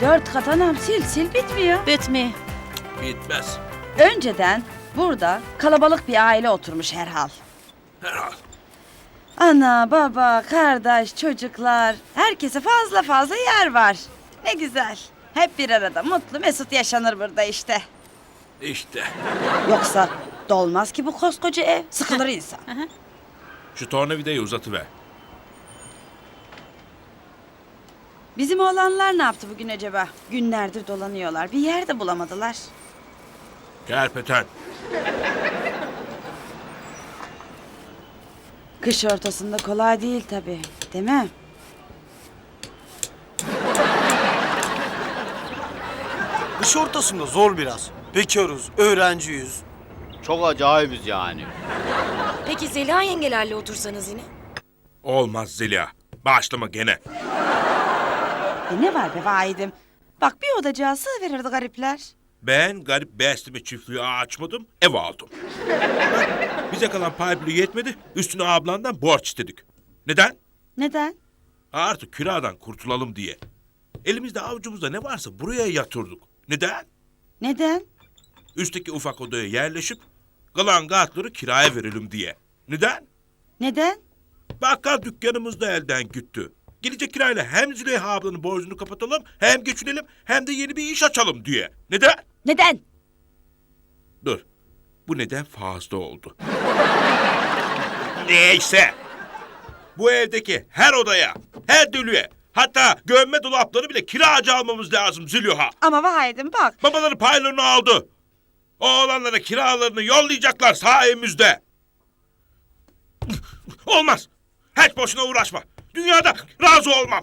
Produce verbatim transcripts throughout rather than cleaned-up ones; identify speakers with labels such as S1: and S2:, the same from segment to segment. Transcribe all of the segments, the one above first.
S1: Dört kat anam, sil sil bitmiyor.
S2: Bitmiyor.
S3: Bitmez.
S1: Önceden burada kalabalık bir aile oturmuş herhal.
S3: Herhal.
S1: Ana, baba, kardeş, çocuklar. Herkese fazla fazla yer var. Ne güzel. Hep bir arada mutlu mesut yaşanır burada işte.
S3: İşte.
S1: Yoksa dolmaz ki bu koskoca ev. Sıkılır insan.
S3: Şu tornavidayı uzatıver.
S1: Bizim oğlanlar ne yaptı bugün acaba? Günlerdir dolanıyorlar. Bir yer de bulamadılar.
S3: Kerpeten.
S1: Kış ortasında kolay değil tabii. Değil mi?
S4: Kış ortasında zor biraz. Bekarız, öğrenciyiz.
S5: Çok acayibiz yani.
S6: Peki Zeliha yengelerle otursanız yine?
S3: Olmaz Zeliha. Başlama gene.
S1: E ne var be vahidim? Bak bir odacığa sığverirdi garipler.
S3: Ben garip besleme çiftliği açmadım, ev aldım. Bak, bize kalan pay bile yetmedi, üstüne ablandan borç istedik. Neden?
S1: Neden?
S3: Artık kiradan kurtulalım diye. Elimizde avucumuzda ne varsa buraya yatırdık. Neden?
S1: Neden?
S3: Üstteki ufak odaya yerleşip kalan katları kiraya verelim diye. Neden?
S1: Neden?
S3: Bakkal dükkanımız da elden gitti. Gelecek kirayla hem Züleyha ablanın borcunu kapatalım, hem geçinelim, hem de yeni bir iş açalım diye. Neden?
S1: Neden?
S3: Dur, bu neden fazla oldu. Neyse. Bu evdeki her odaya, her dölüye, hatta gömme dolapları bile kiracı almamız lazım Züleyha.
S1: Ama vahidim bak.
S3: Babaları paylarını aldı. Oğlanlara kiralarını yollayacaklar sayemizde. Olmaz. Hiç boşuna uğraşma. Dünyada razı olmam.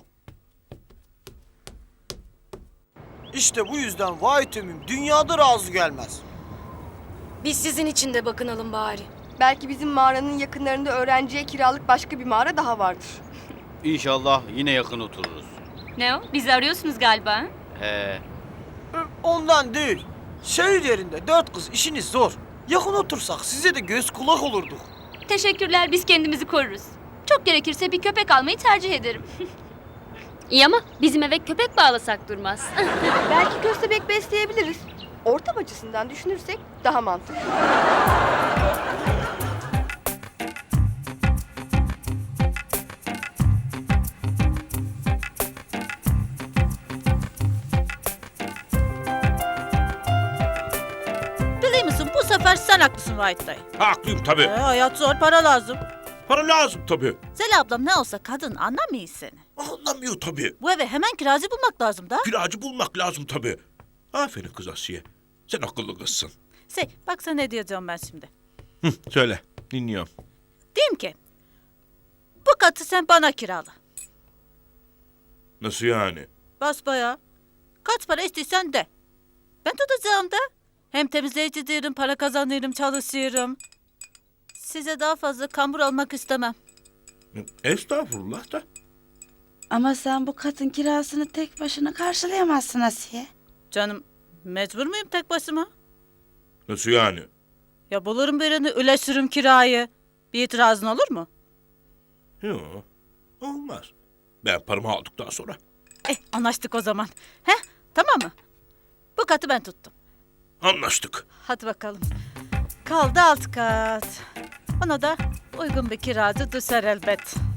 S4: İşte bu yüzden vay tümüm dünyada razı gelmez.
S6: Biz sizin için de bakınalım bari.
S7: Belki bizim mağaranın yakınlarında öğrenciye kiralık başka bir mağara daha vardır.
S5: İnşallah yine yakın otururuz.
S8: Ne o? Bizi arıyorsunuz galiba. ha?
S5: He.
S4: Ondan değil. Şehir yerinde dört kız işiniz zor. Yakın otursak size de göz kulak olurduk.
S8: Teşekkürler, biz kendimizi koruruz. Çok gerekirse bir köpek almayı tercih ederim. İyi ama bizim eve köpek bağlasak durmaz.
S7: Belki köstebek besleyebiliriz. Ortam açısından düşünürsek daha mantıklı.
S2: Biliyor musun bu sefer sen haklısın Vahit dayı.
S3: Haklıyım tabii.
S2: Ee, hayat zor, para lazım.
S3: Para lazım tabii.
S2: Zeli ablam ne olsa kadın anlamıyor seni.
S3: Anlamıyor tabii.
S2: Bu eve hemen kiracı bulmak lazım da.
S3: Kiracı bulmak lazım tabii. Aferin kız Asiye. Sen akıllı kızsın.
S2: Şey, bak sana ne diyeceğim ben şimdi.
S3: Hı, söyle, dinliyorum.
S2: Diyeyim ki, bu katı sen bana kirala.
S3: Nasıl yani?
S2: Basbayağı. Kaç para istiyorsan de. Ben tutacağım da. Hem temizleyici değilim, para kazanıyorum, çalışıyorum. Size daha fazla kambur almak istemem.
S3: Estağfurullah da.
S1: Ama sen bu katın kirasını tek başına karşılayamazsın Asiye.
S2: Canım, mecbur muyum tek başıma?
S3: Nasıl yani?
S2: Ya bulurum birini, üleşirim kirayı. Bir itirazın olur mu?
S3: Yok, olmaz. Ben paramı aldıktan sonra.
S2: Eh, anlaştık o zaman. He, tamam mı? Bu katı ben tuttum.
S3: Anlaştık.
S2: Hadi bakalım. Kaldı alt kat. Ona da uygun bir kiracı düşer elbet.